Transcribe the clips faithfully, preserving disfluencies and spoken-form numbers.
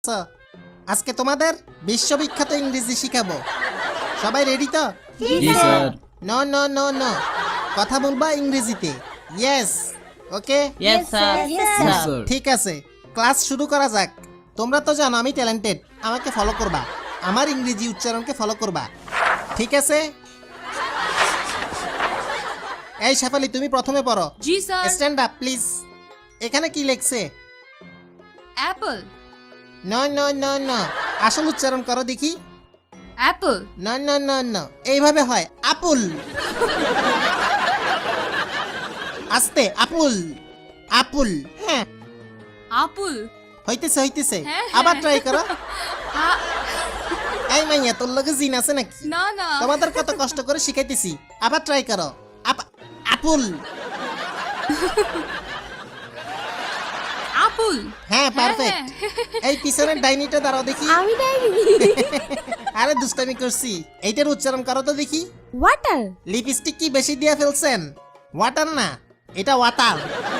আজকে তোমাদের বিশ্ববিখ্যাত ইংরেজি শিখাবো। সবাই রেডি তো? জি sir. No no no no, কথা বলবা ইংরেজিতে। Yes, okay. Yes sir. Sir. ঠিক আছে, ক্লাস শুরু করা যাক। তোমরা তো জানো আমি ট্যালেন্টেড, আমাকে ফলো করবা, আমার ইংরেজি উচ্চারণকে ফলো করবা, ঠিক আছে? এই শেফালি, তুমি প্রথমে পড়ো। জি স্যার। Stand up please. এখানে কি লেখছে? Apple no no no no, আসল উচ্চারণ করো দেখি। Apple no no no no, এইভাবে হয় আপুল। আস্তে, আপুল আপুল। হ্যাঁ, আপুল হইতেছে হইতেছে, হ্যাঁ, আবার হ্যাঁ। ট্রাই করো। আ- এই মাইয়া, তোর লগে জিন আছে নাকি? না না তোমাদের কত কষ্ট করে শিখাইতেছি, আবার ট্রাই করো। আপ- আপুল। আপুল হ্যাঁ, পারফেক্ট। এই পিছনের ডাইনিটা দাঁড়াও দেখি। আমি ডাইনি। আরে দুষ্টামি করছি, এইটার উচ্চারণ করো তো দেখি। ওয়াটার। লিপস্টিক কি বেশি দিয়ে ফেলছেন? ওয়াটার না, এটা ওয়াটার।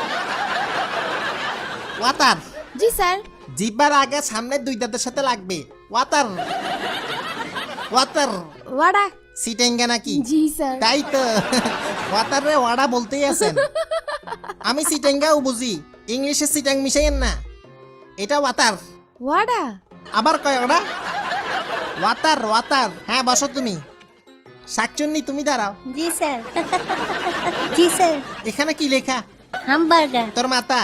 ওয়াটার। জি স্যার। জিহ্বার আগে সামনের দুই দাঁতের সাথে লাগবে। Water water. ওয়াডা। সিটেঙ্গা নাকি? জি স্যার। তাই তো, ওয়াটার রে ওয়াডা বলতেই আছেন। আমি সিটেঙ্গাও বুঝি, ইংলিশে সিটাং মিশাইয়েন না। এটা ওয়াটার। ওয়াডা। আবার কয় ওটা? Water water. হ্যাঁ, বসো তুমি। শাকচুন্নি, তুমি দাঁড়াও। জি স্যার। জি স্যার। এখানে কি লেখা? হামবার্গার। তোর মাতা।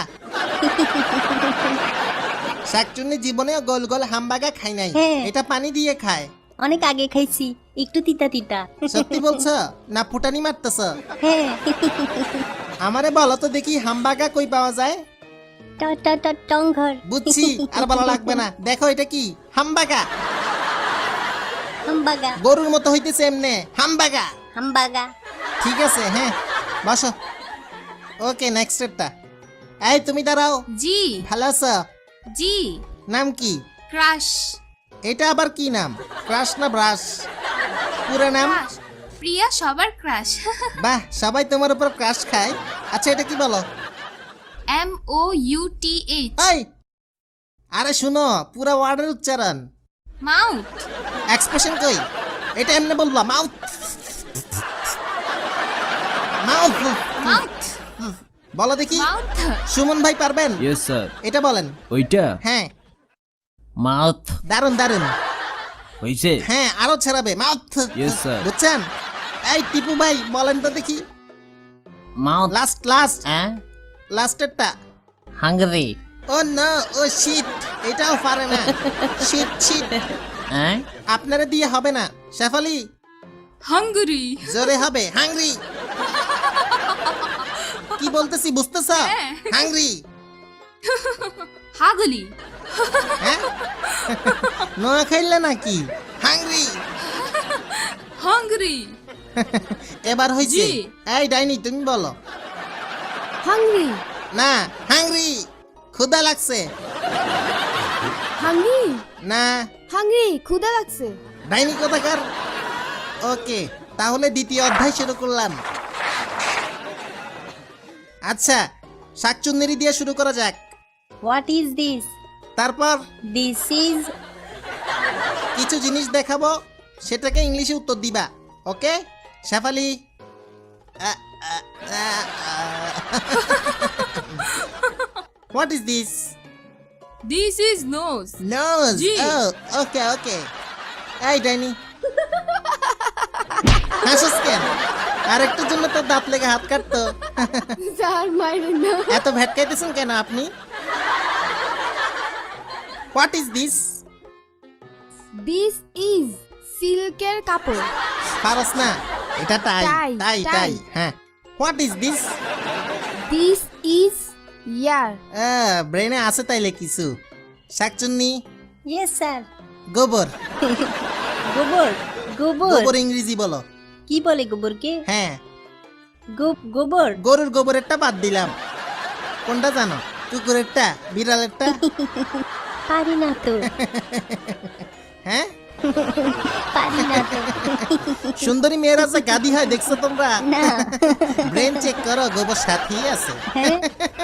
শাকচুন্নি জীবনেও গোল গোল হামবাগা খাই নাই, হ্যাঁ। এটা পানি দিয়ে খায়। অনেক আগে খাইছি, একটু তিতা তিতা। সত্যি বলছ না ফুটানি মারতেছ? হ্যাঁ। আমারে বলো তো দেখি, হামবাগা কই পাওয়া যায়? ট- ট- ট- টংঘর। বুঝছি, আর বলা লাগবে না। দেখো এটা কি? হামবাগা। হামবাগা। গরুর মতো হইতেছে এমনে, হামবাগা। হামবাগা। ঠিক আছে, হ্যাঁ, বসো। ওকে, নেক্সট স্টেপটা। এই তুমি দাঁড়াও। জি ভালো আছো? জি নাম কি? ক্রাশ এটা আবার কি নাম? ক্রাশ না ব্রাশ? পুরো নাম? ক্রাশ প্রিয়া সবার ক্রাশ বাহ, সবাই তোমার উপর ক্রাশ খায়। আচ্ছা, এটা কি বলো? M O U T H এই, আরে শুনো, পুরো ওয়ার্ডের উচ্চারণ। মাউথ এক্সপ্রেশন কই? এটা এমনি বলবা, মাউথ মাউথ। মাউথ বলো দেখি। মাউথ সুমন ভাই পারবেন? Yes sir. এটা বলেন। ওইটা হ্যাঁ, মাউথ দারুন দারুন। হইছে। হ্যাঁ, আরো ছাড়াবে, মাউথ। Yes, sir. বুঝছেন? এই টিপু ভাই বলেন তো দেখি। মাউথ। লাস্ট লাস্ট হ্যাঁ, লাস্টেরটা। Hungry. Oh no, oh shit, এটাও পারে না। শিট শিট, হ্যাঁ, আপনারা দিয়ে হবে না। শেফালি, হাঙ্গরি জোরে হবে, হাংরি। কি বলতেছি বুঝতেছ? হ্যাঁ। হাংরি। হাগলি হ্যাঁ, নোয়া খাইলে নাকি? হাংরি। হাঙ্গরি এবার হইছে। জি। এই ডাইনি, তুমি বলো। হাংরি। না, হাংরি। ক্ষুধা লাগছে। হাংরি। না, হাংরি, ক্ষুধা লাগছে। ডাইনি কোথাকার। ওকে, তাহলে দ্বিতীয় অধ্যায় শুরু করলাম। আচ্ছা, শাকচুন্নেরি দিয়ে শুরু করা যাক। What is this? তারপর দিস ইজ। কিছু জিনিস দেখাবো, সেটাকে ইংলিশে উত্তর দিবা। Okay Shefali? What is this? This is nose nose. জি। Okay okay. এই ডাইনি, হাসিস কেন? আরেকটার জন্য তোর দাঁত লেগে হাত কাটতো। স্যার মাইরেন না। এত ভেটকাইতেছেন কেন আপনি? What is this? This is সিল্কের কাপড়। পারস না, এটা টাই টাই, টাই টাই। টাই। হ্যাঁ, what is this? This is ear. ব্রেনে আছে তাইলে কিছু। শাকচুন্নি, ইয়েস স্যার। গোবর। গোবর। গোবর। গোবর ইংরেজি বলো। কি বলে গোবরকে? হ্যাঁ, গো- গোবর। গরুর গোবরেরটা বাদ দিলাম। কোনটা জানো? কুকুরেরটা, বিড়ালেরটা? পারি না তো। হ্যাঁ, পারি না তো। সুন্দরী মেয়েরা যে গাদি হয় দেখছো তোমরা? না। ব্রেন চেক করো, গোবর সাথী আছে। হ্যাঁ।